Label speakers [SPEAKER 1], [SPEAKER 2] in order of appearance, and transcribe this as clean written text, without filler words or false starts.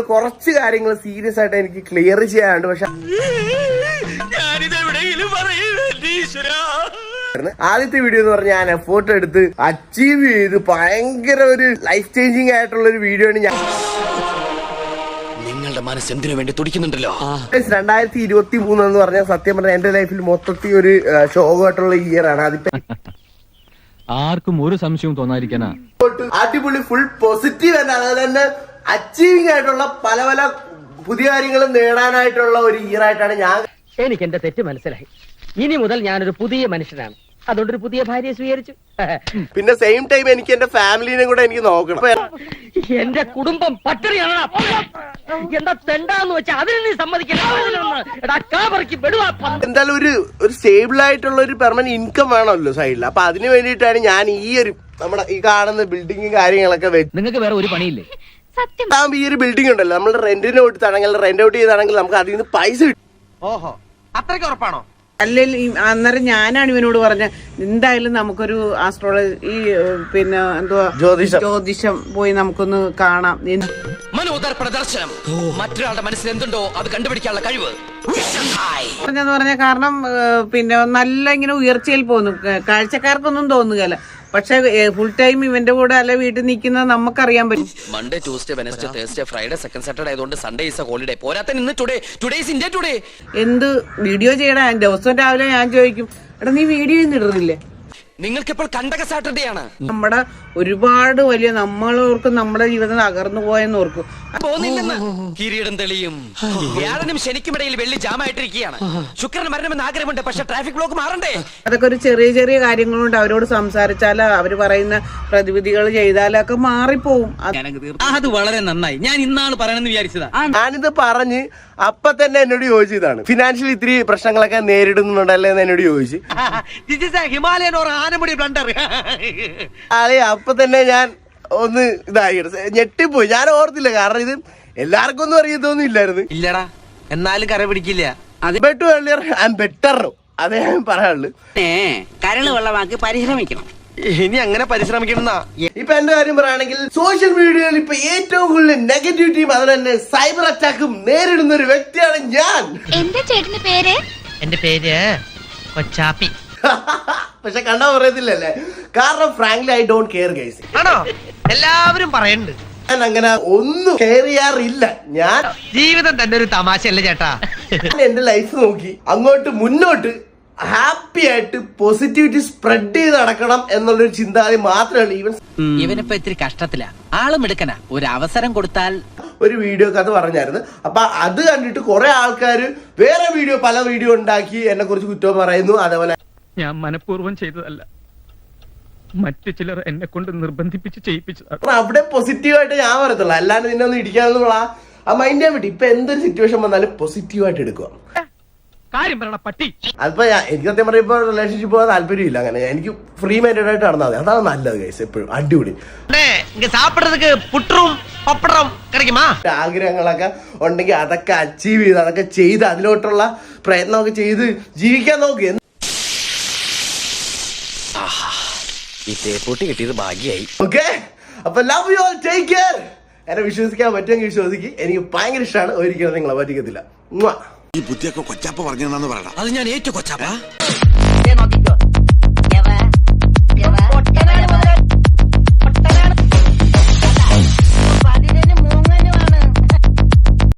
[SPEAKER 1] കുറച്ച് കാര്യങ്ങൾ സീരിയസ് ആയിട്ട് എനിക്ക് ക്ലിയർ ചെയ്യാനുണ്ട്. പക്ഷെ ആദ്യത്തെ വീഡിയോ എന്ന് പറഞ്ഞാൽ ഞാൻ എഫോർട്ട് എടുത്ത് അച്ചീവ് ചെയ്ത് ഭയങ്കര ഒരു ലൈഫ് ചേഞ്ചിങ് ആയിട്ടുള്ള ഒരു വീഡിയോ ആണ്. ഞാൻ
[SPEAKER 2] നിങ്ങളുടെ മനസ്സ് എന്തിനു വേണ്ടി തുടിക്കുന്നുണ്ടല്ലോ.
[SPEAKER 1] 2023 എന്ന് പറഞ്ഞാൽ സത്യം പറഞ്ഞാൽ എന്റെ ലൈഫിൽ മൊത്തത്തിൽ ഒരു ശോകമായിട്ടുള്ള ഇയർ ആണ്. അതിപ്പോ
[SPEAKER 3] ആർക്കും ഒരു സംശയവും തോന്നാതിരിക്കാനാ
[SPEAKER 1] അടിപൊളി ഫുൾ പോസിറ്റീവ് തന്നെ, അതുപോലെ തന്നെ അച്ചീവിംഗ് ആയിട്ടുള്ള പല പല പുതിയ കാര്യങ്ങളും നേടാനായിട്ടുള്ള ഒരു ഇയർ ആയിട്ടാണ് ഞാൻ.
[SPEAKER 4] എനിക്ക് എന്റെ തെറ്റ് മനസ്സിലായി. ഇനി മുതൽ ഞാനൊരു പുതിയ മനുഷ്യനാണ്. അതുകൊണ്ടൊരു പുതിയ ഭാര്യയെ സ്വീകരിച്ചു.
[SPEAKER 1] പിന്നെ സെയിം ടൈം എനിക്ക് എന്റെ ഫാമിലിനെ കൂടെ എനിക്ക് നോക്കണം.
[SPEAKER 4] എന്റെ കുടുംബം പട്ടിണിയാണ്. എന്താ തെണ്ടാന്ന് വെച്ചാൽ അതിന് നീ
[SPEAKER 1] എന്തായാലും ഒരു സ്റ്റേബിൾ ആയിട്ടുള്ള ഒരു പെർമനന്റ് ഇൻകം വേണമല്ലോ സൈഡിൽ. അപ്പൊ അതിന് വേണ്ടിയിട്ടാണ് ഞാൻ ഈ ഒരു നമ്മുടെ ഈ കാണുന്ന ബിൽഡിങ്ങും കാര്യങ്ങളൊക്കെ വെച്ച്.
[SPEAKER 3] നിങ്ങൾക്ക് വേറെ ഒരു പണിയില്ലേ?
[SPEAKER 1] സത്യം ഈ ഒരു ബിൽഡിംഗ് ഉണ്ടല്ലോ, നമ്മൾ റെന്റിന് കൊടുത്താണെങ്കിൽ റെന്റ് ഔട്ട് ചെയ്താണെങ്കിൽ നമുക്ക് അതിൽ നിന്ന് പൈസ കിട്ടും.
[SPEAKER 5] ഓഹോ, അത്രയ്ക്ക് ഉറപ്പാണോ?
[SPEAKER 6] അല്ലെങ്കിൽ അന്നേരം ഞാനാണ് ഇവനോട് പറഞ്ഞ എന്തായാലും നമുക്കൊരു ആസ്ട്രോളജി പിന്നെ എന്തുവാ ജ്യോതിഷം പോയി നമുക്കൊന്ന് കാണാം.
[SPEAKER 2] മനോദർ പ്രദർശനം, മറ്റൊരാളുടെ മനസ്സിൽ എന്തുണ്ടോ അത് കണ്ടുപിടിക്കാനുള്ള കഴിവ്
[SPEAKER 6] പറഞ്ഞെന്ന് പറഞ്ഞ കാരണം പിന്നെ നല്ല ഇങ്ങനെ ഉയർച്ചയിൽ പോകുന്നു. കാഴ്ചക്കാർക്കൊന്നും തോന്നുകയല്ല, പക്ഷെ ഫുൾ ടൈം ഇവന്റെ കൂടെ അല്ല വീട്ടിൽ നിൽക്കുന്നത് നമുക്കറിയാൻ പറ്റും.
[SPEAKER 2] Monday, Tuesday, Wednesday, Thursday, Friday, second Saturday ആയതുകൊണ്ട് സൺഡേ ഈസ് എ ഹോളിഡേ. പോരാത്ത ഇന്ന് ടുഡേ ഈസ് ഇന്ത്യ ടുഡേ.
[SPEAKER 6] എന്ത് വീഡിയോ ചെയ്യടാ? ദിവസവും രാവിലെ ഞാൻ ചോദിക്കും, എടാ നീ വീഡിയോ ഒന്നും ഇടുന്നില്ലേ?
[SPEAKER 2] നിങ്ങൾക്കിപ്പോൾ കണ്ടക സാറ്റർഡേ ആണ്.
[SPEAKER 6] നമ്മുടെ ഒരുപാട് വലിയ നമ്മളോർക്കും നമ്മുടെ ജീവിതം തകർന്നു പോയെന്ന് ഓർക്കും.
[SPEAKER 2] പോകുന്നില്ലെന്ന് കിരീടം തെളിയും. വ്യാഴനും ശനിക്കുമിടയിൽ വെള്ളി ജാമായിട്ടിരിക്കുകയാണ്. ശുക്രന് മരണമെന്ന് ആഗ്രഹമുണ്ട്, പക്ഷെ ട്രാഫിക് ബ്ലോക്ക് മാറണ്ടേ?
[SPEAKER 6] അതൊക്കെ ഒരു ചെറിയ ചെറിയ കാര്യങ്ങളുണ്ട്. അവരോട് സംസാരിച്ചാൽ അവര് പറയുന്ന പ്രതിവിധികൾ ചെയ്താലൊക്കെ മാറിപ്പോവും.
[SPEAKER 5] അത് വളരെ നന്നായി. ഞാൻ ഇന്നാള് പറയണമെന്ന് വിചാരിച്ചതാ.
[SPEAKER 1] ഞാനിത് പറഞ്ഞ് അപ്പൊ തന്നെ എന്നോട് ചോദിച്ചതാണ്, ഫിനാൻഷ്യലി ഇത്തിരി പ്രശ്നങ്ങളൊക്കെ നേരിടുന്നുണ്ടല്ലേ എന്ന് എന്നോട് ചോദിച്ചു.
[SPEAKER 5] Himalayan or Anamudi blunder.
[SPEAKER 1] അപ്പൊ തന്നെ ഞാൻ ഒന്ന് ഇതായി ഞെട്ടിപ്പോയി. ഞാൻ ഓർത്തില്ല, കാരണം ഇത് എല്ലാവർക്കും ഒന്നും അറിയത്തൊന്നും ഇല്ലായിരുന്നു.
[SPEAKER 5] ഇല്ലടാ, എന്നാലും കര പിടിക്കില്ല.
[SPEAKER 1] ബെറ്റർ ഏർലിയർ ആൻഡ് ബെറ്റർ, അതേ ഞാൻ പറയാനുള്ളു.
[SPEAKER 6] കരള് വെള്ളമാക്കി പരിശ്രമിക്കണം.
[SPEAKER 5] ഇനി അങ്ങനെ പരിശ്രമിക്കണം.
[SPEAKER 1] ഇപ്പൊ എന്റെ കാര്യം പറയുകയാണെങ്കിൽ സോഷ്യൽ മീഡിയയിൽ ഇപ്പൊ ഏറ്റവും കൂടുതൽ നെഗറ്റിവിറ്റിയും അതുപോലെ തന്നെ സൈബർ അറ്റാക്കും നേരിടുന്ന ഒരു വ്യക്തിയാണ് ഞാൻ.
[SPEAKER 7] എന്റെ ചേട്ടന്റെ പേര്?
[SPEAKER 4] എന്റെ പേര് കൊച്ചാപ്പി.
[SPEAKER 1] പക്ഷെ കണ്ടാ പറയത്തില്ലല്ലേ, കാരണം frankly I don't care guys.
[SPEAKER 5] ആണോ? എല്ലാവരും പറയുന്നുണ്ട്.
[SPEAKER 1] ഞാൻ അങ്ങനെ ഒന്നും കെയർ ചെയ്യാറില്ല. ഞാൻ
[SPEAKER 5] ജീവിതം തന്നെ ഒരു തമാശയല്ലേ ചേട്ടാ?
[SPEAKER 1] എന്റെ ലൈഫ് നോക്കി അങ്ങോട്ട് മുന്നോട്ട് ഹാപ്പി ആയിട്ട് പോസിറ്റിവിറ്റി സ്പ്രെഡ് ചെയ്ത് നടക്കണം എന്നുള്ളൊരു ചിന്താഗതി മാത്രമല്ല.
[SPEAKER 4] ഇവനിപ്പോ ഇത്തിരി കഷ്ടത്തില, ആളും എടുക്കന, ഒരു അവസരം കൊടുത്താൽ.
[SPEAKER 1] ഒരു വീഡിയോ കഥ പറഞ്ഞായിരുന്നു. അപ്പൊ അത് കണ്ടിട്ട് കുറെ ആൾക്കാർ വേറെ പല വീഡിയോ ഉണ്ടാക്കി എന്നെ കുറിച്ച് കുറ്റം പറയുന്നു. അതേപോലെ
[SPEAKER 3] ഞാൻ മനഃപൂർവ്വം ചെയ്തതല്ല, മറ്റു ചിലർ എന്നെ കൊണ്ട് നിർബന്ധിപ്പിച്ച് ചെയ്യിപ്പിച്ചതാണ്.
[SPEAKER 1] അവിടെ പോസിറ്റീവായിട്ട് ഞാൻ പറയത്തുള്ളൂ, അല്ലാണ്ട് നിന്നെ ഒന്ന് ഇടിക്കാന്നുള്ള ആ മൈൻഡ് ചെയ്യാൻ പറ്റി. ഇപ്പൊ എന്തൊരു സിറ്റുവേഷൻ വന്നാലും പോസിറ്റീവായിട്ട് എടുക്കുക.
[SPEAKER 3] കാര്യം പറയണ പട്ടി.
[SPEAKER 1] അതിപ്പോ എനിക്ക് സത്യം പറയുമ്പോ റിലേഷൻഷിപ്പ് പോകാൻ താല്പര്യമില്ല. അങ്ങനെ എനിക്ക് ഫ്രീ മൈൻഡഡ് ആയിട്ട് നടന്നാൽ മതി, അതാണ് നല്ലത് ഗൈസ്. എപ്പോഴും അടിപൊളി
[SPEAKER 5] സാപ്പിടறதுக்கு പുട്ടും പപ്പടം കിടക്കുമാ.
[SPEAKER 1] ആഗ്രഹങ്ങളൊക്കെ ഉണ്ടെങ്കിൽ അതൊക്കെ അച്ചീവ് ചെയ്ത് അതൊക്കെ ചെയ്ത് അതിലോട്ടുള്ള പ്രയത്നമൊക്കെ ചെയ്ത് ജീവിക്കാൻ നോക്ക്.
[SPEAKER 2] ഈ തേപ്പൂട്ടി കിട്ടിയത് ഭാഗ്യായി.
[SPEAKER 1] ഓക്കെ, അപ്പൊ love you all, take care. എന്നെ വിശ്വസിക്കാൻ പറ്റുമെങ്കിൽ വിശ്വസിക്ക്. എനിക്ക് ഭയങ്കര ഇഷ്ടമാണ്. ഒരിക്കലും നിങ്ങളെ പറ്റിക്കത്തില്ല.
[SPEAKER 8] ഈ ബുദ്ധിയൊക്കെ കൊച്ചാപ്പ പറഞ്ഞെന്നു പറയണം.
[SPEAKER 2] അത് ഞാൻ ഏറ്റു കൊച്ചാപ്പ.